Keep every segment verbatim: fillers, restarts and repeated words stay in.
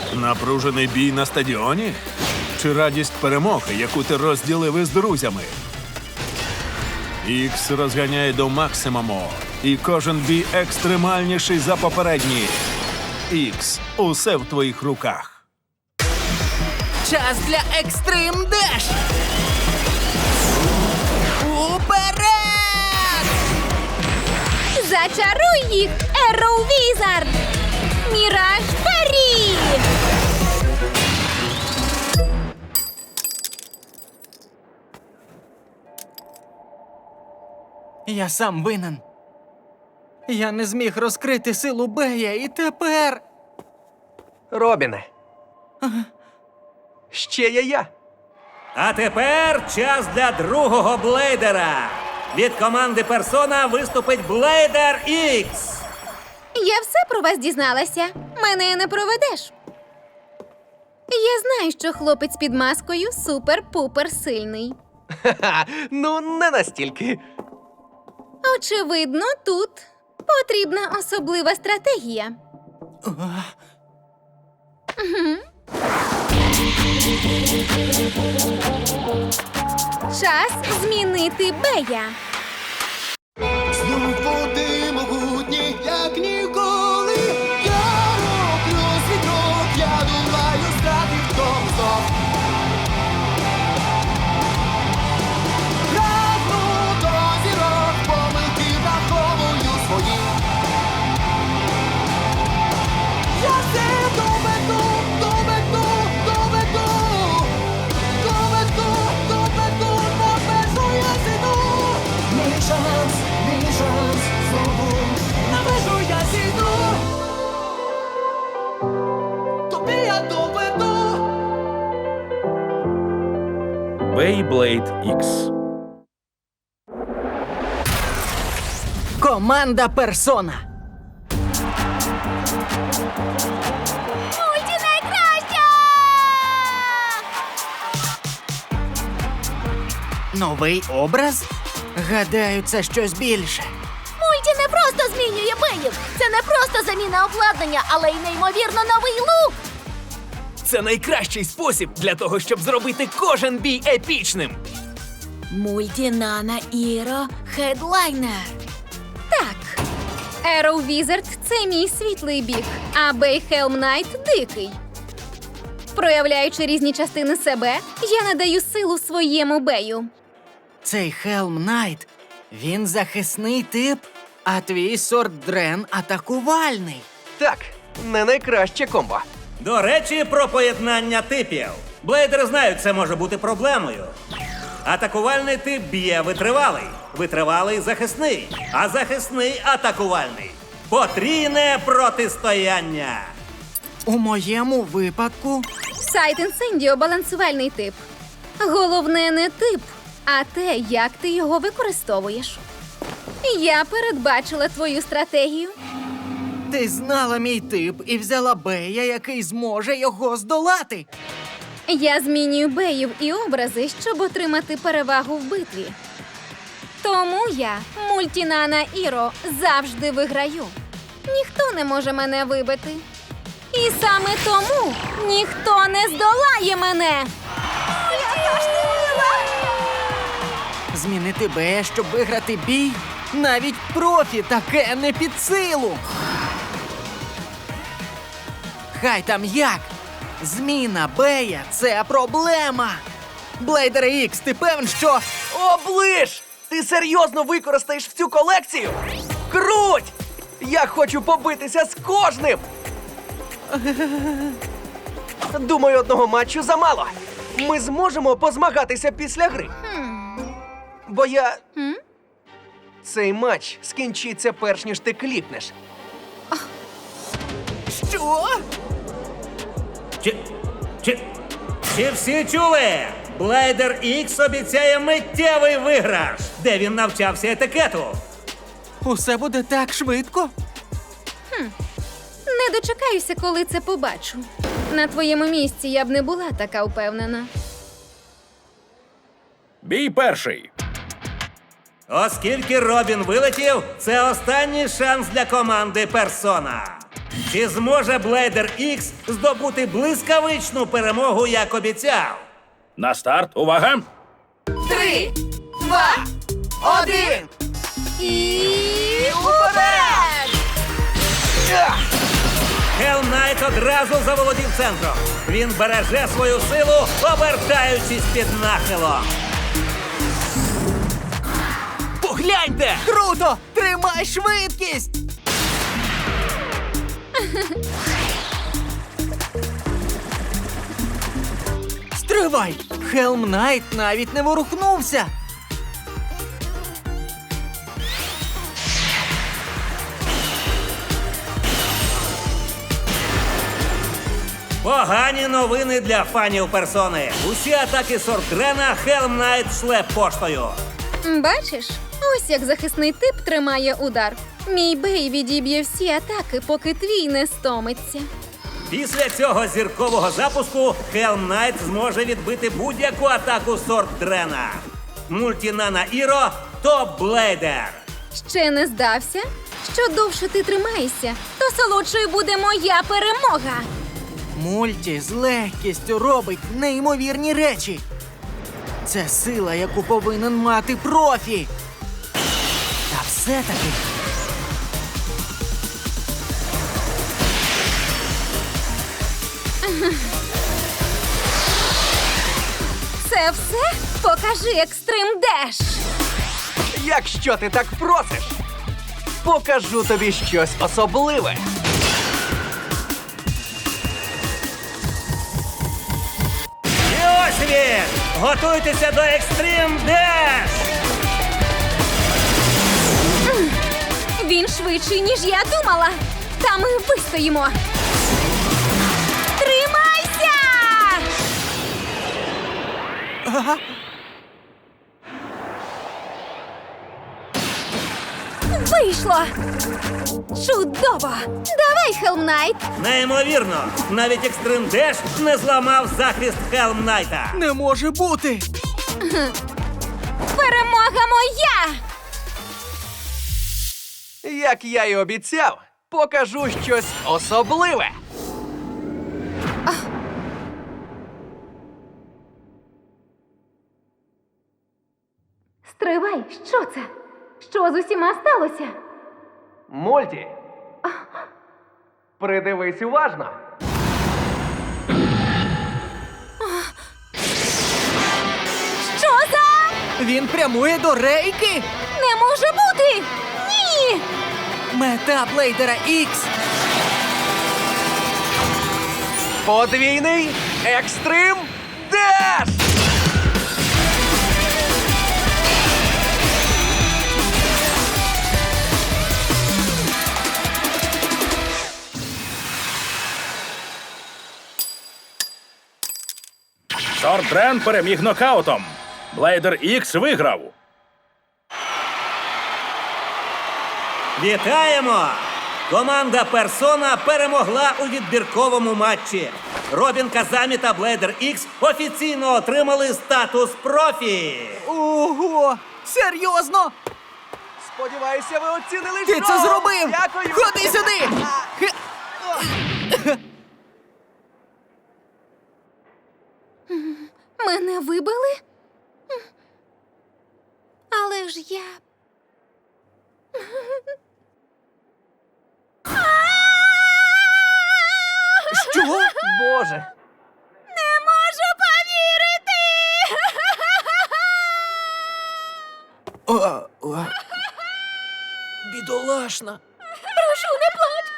Напружений бій на стадіоні? Чи радість перемоги, яку ти розділив із друзями? Ікс розганяє до максимуму, і кожен бій екстремальніший за попередній. Ікс, усе в твоїх руках. Час для Екстрим Деш! Уперед! Зачаруй їх, Arrow Wizard! Міраж Фері! Я сам винен. Я не зміг розкрити силу Бея, і тепер... Робіне. Ще є я. А тепер час для другого блейдера. Від команди Персона виступить Блейдер Ікс. Я все про вас дізналася. Мене не проведеш. Я знаю, що хлопець під маскою супер-пупер сильний. Ха-ха, ну не настільки. Очевидно, тут потрібна особлива стратегія. Мгм. Час змінити Бея. Знов води могутні, як ніколи. Я роблю світло, я думаю, стати в тому знов. Прагну до зірок, помилки враховую свої. Я все доведу, доведу, доведу. Доведу, доведу, на межу я зійду. Мій шанс, мій шанс, знову на межу я зійду. Тобі я доведу. Beyblade Ікс. Команда Персона. Мульті найкраща! Новий образ? Гадаю, це щось більше. Мульті не просто змінює Беїв. Це не просто заміна обладнання, але й неймовірно новий лук. Це найкращий спосіб для того, щоб зробити кожен бій епічним. Мульті Нана Іро Хедлайнер. Так. Arrow Wizard – це мій світлий бік, а Бей Хелм Найт – дикий. Проявляючи різні частини себе, я надаю силу своєму Бею. Цей Хелм Найт, він захисний тип, а твій Сорд Дрен атакувальний. Так, не найкраще комбо. До речі, про поєднання типів. Блейдери знають, це може бути проблемою. Атакувальний тип б'є витривалий, витривалий захисний, а захисний атакувальний. Потрійне протистояння. У моєму випадку Сайт Інсендіо – балансувальний тип. Головне не тип, а те, як ти його використовуєш. Я передбачила твою стратегію. ти знала мій тип і взяла Бея, який зможе його здолати. Я змінюю беїв і образи, щоб отримати перевагу в битві. Тому я, Мультінана Іро, завжди виграю. Ніхто не може мене вибити. І саме тому ніхто не здолає мене. Змінити Бея, щоб виграти бій? Навіть профі таке не під силу. Хай там як. Зміна Бея – це проблема. Блейдере Ікс, ти певен, що... Оближ! Ти серйозно використаєш всю колекцію? Круть! Я хочу побитися з кожним! Думаю, одного матчу замало. Ми зможемо позмагатися після гри. Бо я... Хм? Цей матч скінчиться перш ніж ти клікнеш. Що? Чи, чи, чи всі чули? Блейдер Ікс обіцяє миттєвий виграш, де він навчався етикету. Усе буде так швидко? Не дочекаюся, коли це побачу. На твоєму місці я б не була така впевнена. Бій перший. Оскільки Робін вилетів, це останній шанс для команди Персона. Чи зможе Блейдер Ікс здобути блискавичну перемогу, як обіцяв? На старт, увага! Три, два, один! І Уперед! Хелм Найт одразу заволодів центром. Він береже свою силу, обертаючись під нахилом. Погляньте! Круто! Тримай швидкість! Стривай! Хелм Найт навіть не ворухнувся! Погані новини для фанів персони. Усі атаки Сортрена Хелм Найт шле поштою. бачиш, ось як захисний тип тримає удар. Мій бей відіб'є всі атаки, поки твій не стомиться. Після цього зіркового запуску Хелм Найт зможе відбити будь-яку атаку Сортрена. Мультінана Іро Топ Блейдер. Ще не здався? Що довше ти тримаєшся, то солодшою буде моя перемога. Мульті з легкістю робить неймовірні речі. Це сила, яку повинен мати профі. Та все-таки. Це все? Покажи екстрим деш. Якщо ти так просиш, покажу тобі щось особливе. І ось він! Готуйтеся до Екстрім Деш! Він швидший, ніж я думала. Та ми вистоїмо. Тримайся! Вийшло! Чудово! Давай, Хелм Найт! Неймовірно! Навіть Екстрим Деш не зламав захист Хелм Найта. Не може бути! Перемога моя! Як я й обіцяв, покажу щось особливе. Стривай, що це? Що з усіма сталося? Мульті, придивись уважно. Що за? Він прямує до рейки! Не може бути! Ні! Мета Блейдера Ікс! Подвійний Екстрим Деш! Сортрен переміг нокаутом. Блейдер Ікс виграв. Вітаємо! Команда Персона перемогла у відбірковому матчі. Робін Казамі та Блейдер Ікс офіційно отримали статус профі. Ого! Серйозно? Сподіваюся, ви оцінили Ти шоу! це зробив! Дякую! Ходи сюди! Хе- Мене вибили? Але ж я. Що? Боже! Не можу повірити! О, о. Бідолашна. Прошу, не плач!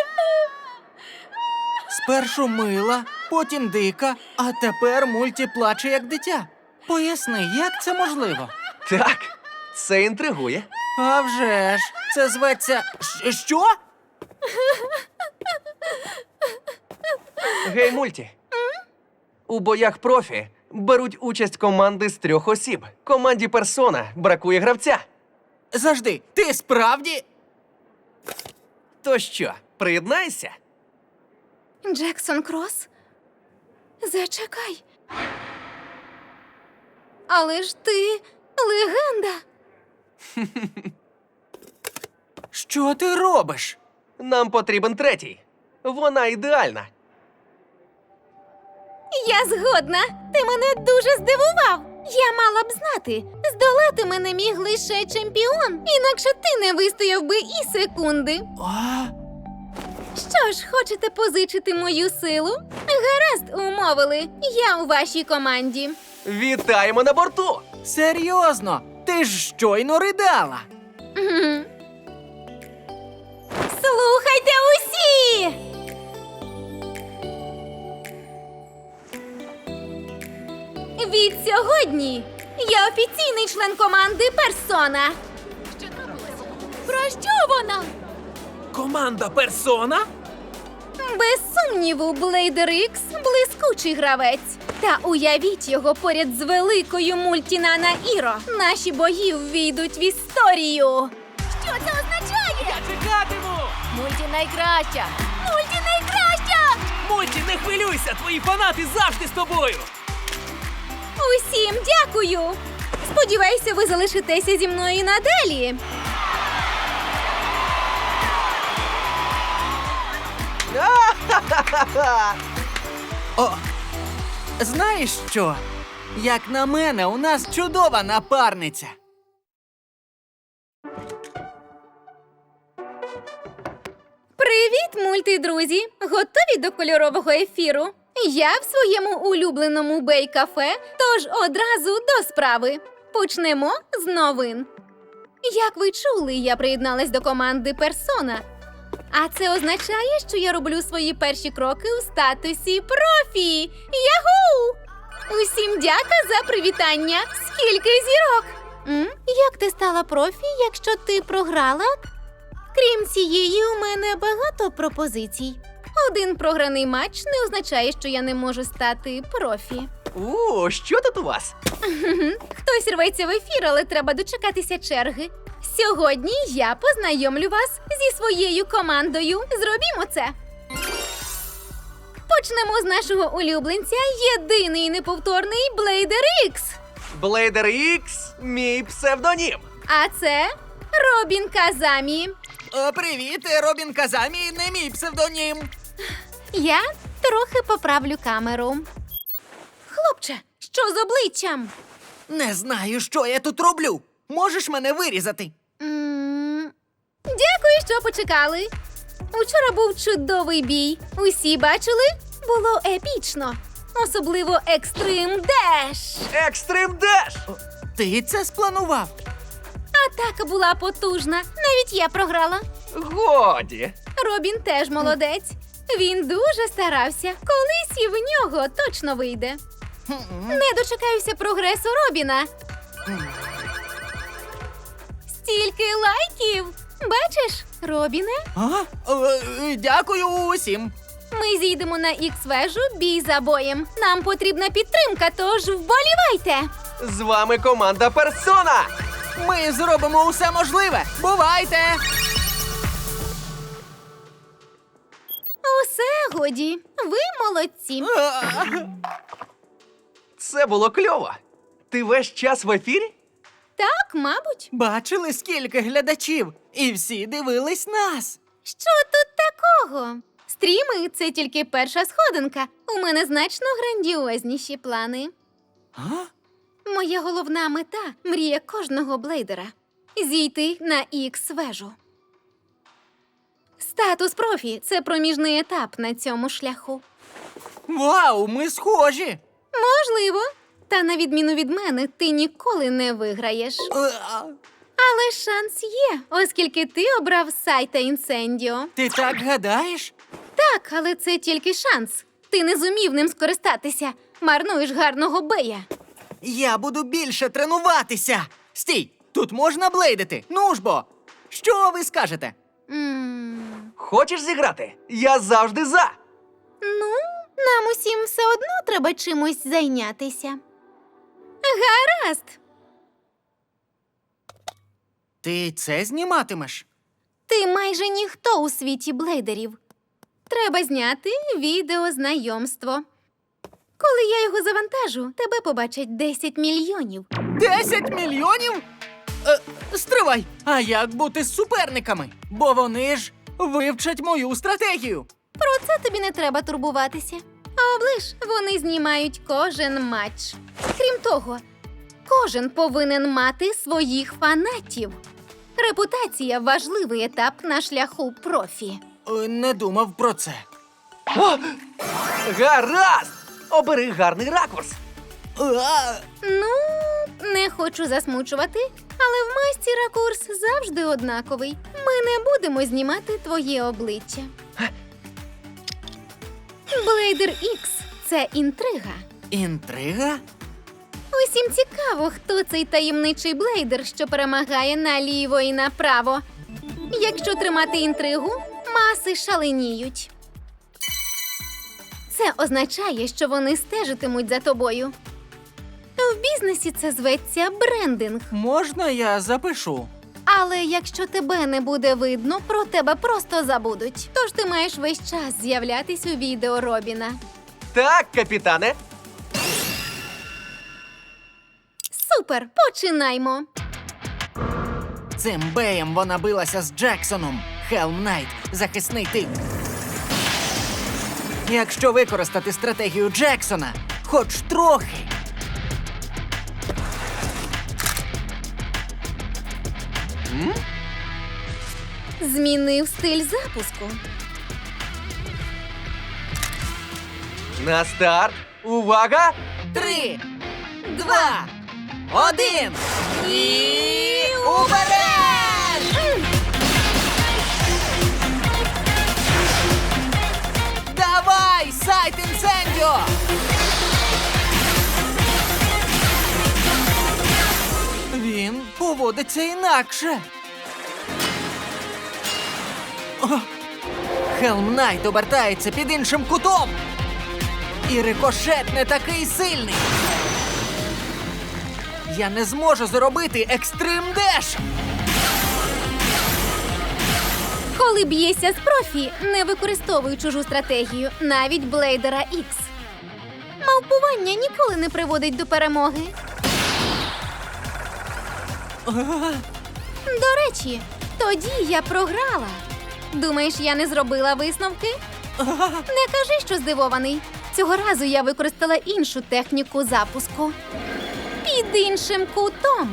Спершу мила, потім дика, а тепер мульті плаче як дитя. Поясни, як це можливо? Так, це інтригує. А вже ж, це зветься. Щ- Що? Гей, Мульті. У боях профі беруть участь команди з трьох осіб. Команді Персона бракує гравця. Завжди, ти справді. То що, приєднайся? Джексон Крос? Зачекай. Але ж ти легенда. Що ти робиш? Нам потрібен третій. Вона ідеальна. Я згодна. Ти мене дуже здивував. Я мала б знати, здолати мене міг лише чемпіон, інакше ти не вистояв би і секунди. А? Що ж, хочете позичити мою силу? Гаразд, умовили. Я у вашій команді. Вітаємо на борту! Серйозно? Ти ж щойно ридала. Мгм. Слухайте усі! Від сьогодні я офіційний член команди Персона. Про що вона? Команда Персона? Без сумніву, Блейдер Ікс – блискучий гравець. Та уявіть його поряд з великою мультінана Іро. Наші бої ввійдуть в історію. Що це означає? Чекатиму! Мульті найкраща! Мульті найкраща! Мульті, не хвилюйся, твої фанати завжди з тобою! Усім дякую! Сподіваюся, ви залишитеся зі мною і надалі. О, знаєш що? Як на мене, у нас чудова напарниця. Привіт, мультидрузі! Готові до кольорового ефіру? Я в своєму улюбленому бей-кафе, тож одразу до справи. Почнемо з новин. Як ви чули, я приєдналась до команди Персона. А це означає, що я роблю свої перші кроки у статусі профі. Яху! Усім дяка за привітання. Скільки зірок? М? Як ти стала профі, якщо ти програла? Крім цієї, у мене багато пропозицій. Один програний матч не означає, що я не можу стати профі. У, що тут у вас? Хтось рветься в ефір, але треба дочекатися черги. Сьогодні я познайомлю вас зі своєю командою. Зробімо це. Почнемо з нашого улюбленця, єдиний і неповторний Блейдер Ікс. Блейдер Ікс – мій псевдонім. А це Робін Казамі. О, привіт, Робін Казамі, не мій псевдонім. Я трохи поправлю камеру. Хлопче, що з обличчям? Не знаю, що я тут роблю. Можеш мене вирізати? М, Дякую, що почекали. Учора був чудовий бій. Усі бачили? Було епічно. Особливо Екстрим Деш. Екстрим Деш! Ти це спланував? Атака була потужна. Навіть я програла. Годі. Робін теж молодець. Він дуже старався. Колись і в нього точно вийде. Не дочекаюся прогресу Робіна. Стільки лайків. Бачиш, Робіне? А? Е, Дякую усім. Ми зійдемо на ікс-вежу бій за боєм. Нам потрібна підтримка, тож вболівайте! З вами команда Персона! Ми зробимо усе можливе. Бувайте! Усе годі. Ви молодці. А, Це було кльово. Ти весь час в ефірі? Так, мабуть. Бачили, скільки глядачів? І всі дивились нас. Що тут такого? Стріми – це тільки перша сходинка. У мене значно грандіозніші плани. А? Моя головна мета – мрія кожного блейдера – зійти на ікс-вежу. Статус профі – це проміжний етап на цьому шляху. Вау, ми схожі. Можливо. Та на відміну від мене, ти ніколи не виграєш. А, Але шанс є, оскільки ти обрав сайта Інсендіо. Ти так гадаєш? Так, але це тільки шанс. Ти не зумів ним скористатися. Марнуєш гарного бея. Я буду більше тренуватися. Стій, тут можна блейдити. Ну ж бо. Що ви скажете? М, Хочеш зіграти? Я завжди за! Ну, нам усім все одно треба чимось зайнятися. Гаразд. Ти це зніматимеш? Ти майже ніхто у світі блейдерів. Треба зняти відео знайомство. Коли я його завантажу, тебе побачать десять мільйонів. Десять мільйонів? Е, стривай! А як бути з суперниками? Бо вони ж вивчать мою стратегію. Про це тобі не треба турбуватися. А оближ, вони знімають кожен матч. Крім того, кожен повинен мати своїх фанатів. Репутація – важливий етап на шляху профі. Е, Не думав про це. О! Гаразд! Обери гарний ракурс. А, Ну, не хочу засмучувати, але в масті ракурс завжди однаковий. Ми не будемо знімати твоє обличчя. Блейдер Ікс – це інтрига. інтрига? Усім цікаво, хто цей таємничий блейдер, що перемагає наліво і направо. Якщо тримати інтригу, маси шаленіють. Це означає, що вони стежитимуть за тобою. В бізнесі це зветься брендинг. Можна я запишу? Але якщо тебе не буде видно, про тебе просто забудуть. Тож ти маєш весь час з'являтись у відео Робіна. Так, капітане. Супер, починаймо! Цим беєм вона билася з Джексоном. Хелм Найт – захисний тип. Якщо використати стратегію Джексона, хоч трохи. Змінив стиль запуску. На старт. Увага! Три, два, один і уперед! Давай, сайт інсендіо! Він поводиться інакше. О! Хелм Найт обертається під іншим кутом. І рикошет не такий сильний. Я не зможу зробити екстрим деш. Коли б'єшся з профі, не використовуй чужу стратегію, навіть Блейдера Ікс. Мавпування ніколи не приводить до перемоги. До речі, тоді я програла. Думаєш, я не зробила висновки? Не кажи, що здивований. Цього разу я використала іншу техніку запуску. Під іншим кутом.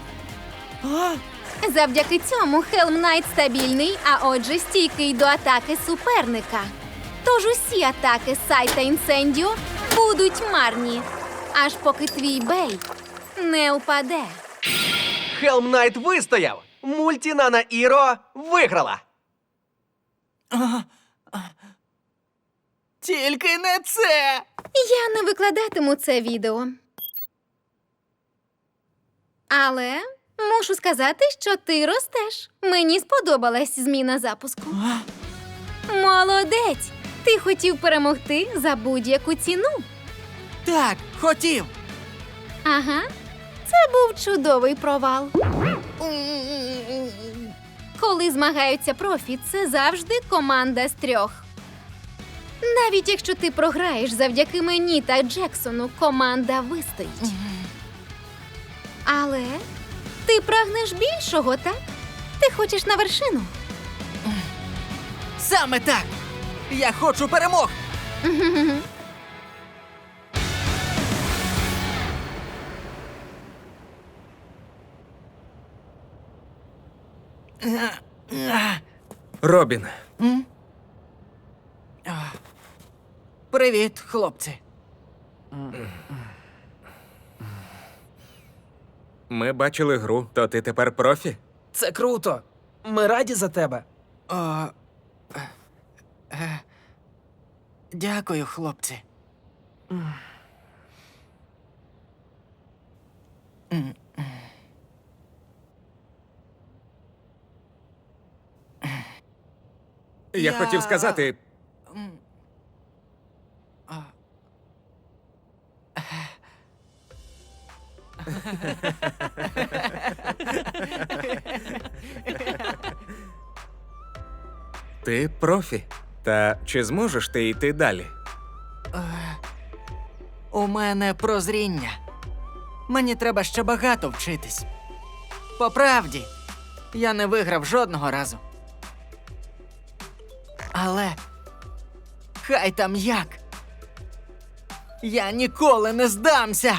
Завдяки цьому Хелм Найт стабільний, а отже стійкий до атаки суперника. Тож усі атаки сайта Інсендіо будуть марні, аж поки твій бей не упаде. Хелм Найт вистояв. Мультінана Іро виграла. Тільки не це. Я не викладатиму це відео. Але мушу сказати, що ти ростеш. Мені сподобалась зміна запуску. Молодець! Ти хотів перемогти за будь-яку ціну. Так, хотів. Ага, це був чудовий провал. Коли змагаються профі, це завжди команда з трьох. Навіть якщо ти програєш завдяки мені та Джексону, команда вистоїть. Але ти прагнеш більшого, так? Ти хочеш на вершину? Саме так. Я хочу перемог. Робін, Привіт, хлопці. ми бачили гру, то ти тепер профі? Це круто. Ми раді за тебе. О, е, е, дякую, хлопці. Я, Я- хотів сказати, ти профі. Та чи зможеш ти йти далі? У мене прозріння. Мені треба ще багато вчитись. По правді, я не виграв жодного разу. Але Хай там як. Я ніколи не здамся.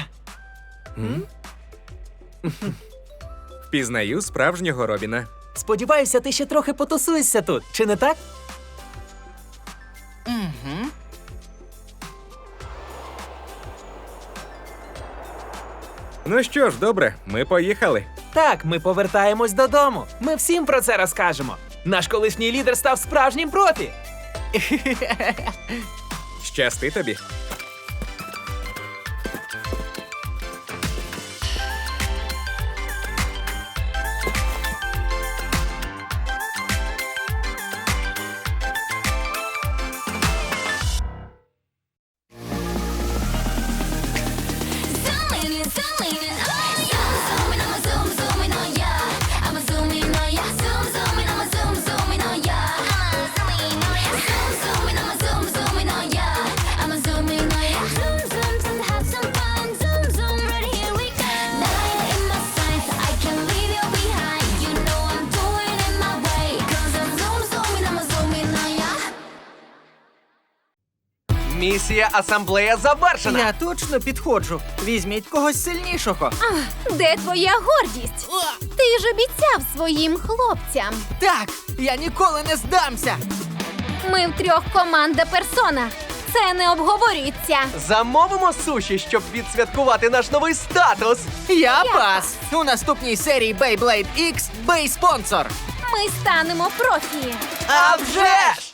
Впізнаю справжнього Робіна. Сподіваюся, ти ще трохи потусуєшся тут, чи не так? Ну що ж, добре, ми поїхали. Так, ми повертаємось додому. Ми всім про це розкажемо. Наш колишній лідер став справжнім профі. Щасти тобі. Zooming in, zooming in, oh yeah. Zooming, I'ma zoom, zooming, oh yeah. I'ma zoom in, oh yeah. Zoom, zooming, I'ma zoom, zooming, oh yeah. I'ma zoom in, oh yeah. Zoom, zooming, I'ma zoom, zooming, oh yeah. I'ma zoom in, oh yeah. Zoom, zoom, zoom, have some fun. Zoom, zoom, right here we go. Nine in my sights, I can't leave you behind. You know I'm doing it my way. 'Cause I'm zoom, zooming, I'ma zoom in, oh yeah. Місія асамблея завершена. Я точно підходжу. Візьміть когось сильнішого. Де твоя гордість? Ти ж обіцяв своїм хлопцям. Так, я ніколи не здамся. Ми втрьох команда персона. Це не обговорюється. Замовимо суші, щоб відсвяткувати наш новий статус. Я пас. У наступній серії Beyblade X Бей спонсор. Ми станемо профі. А вже ж!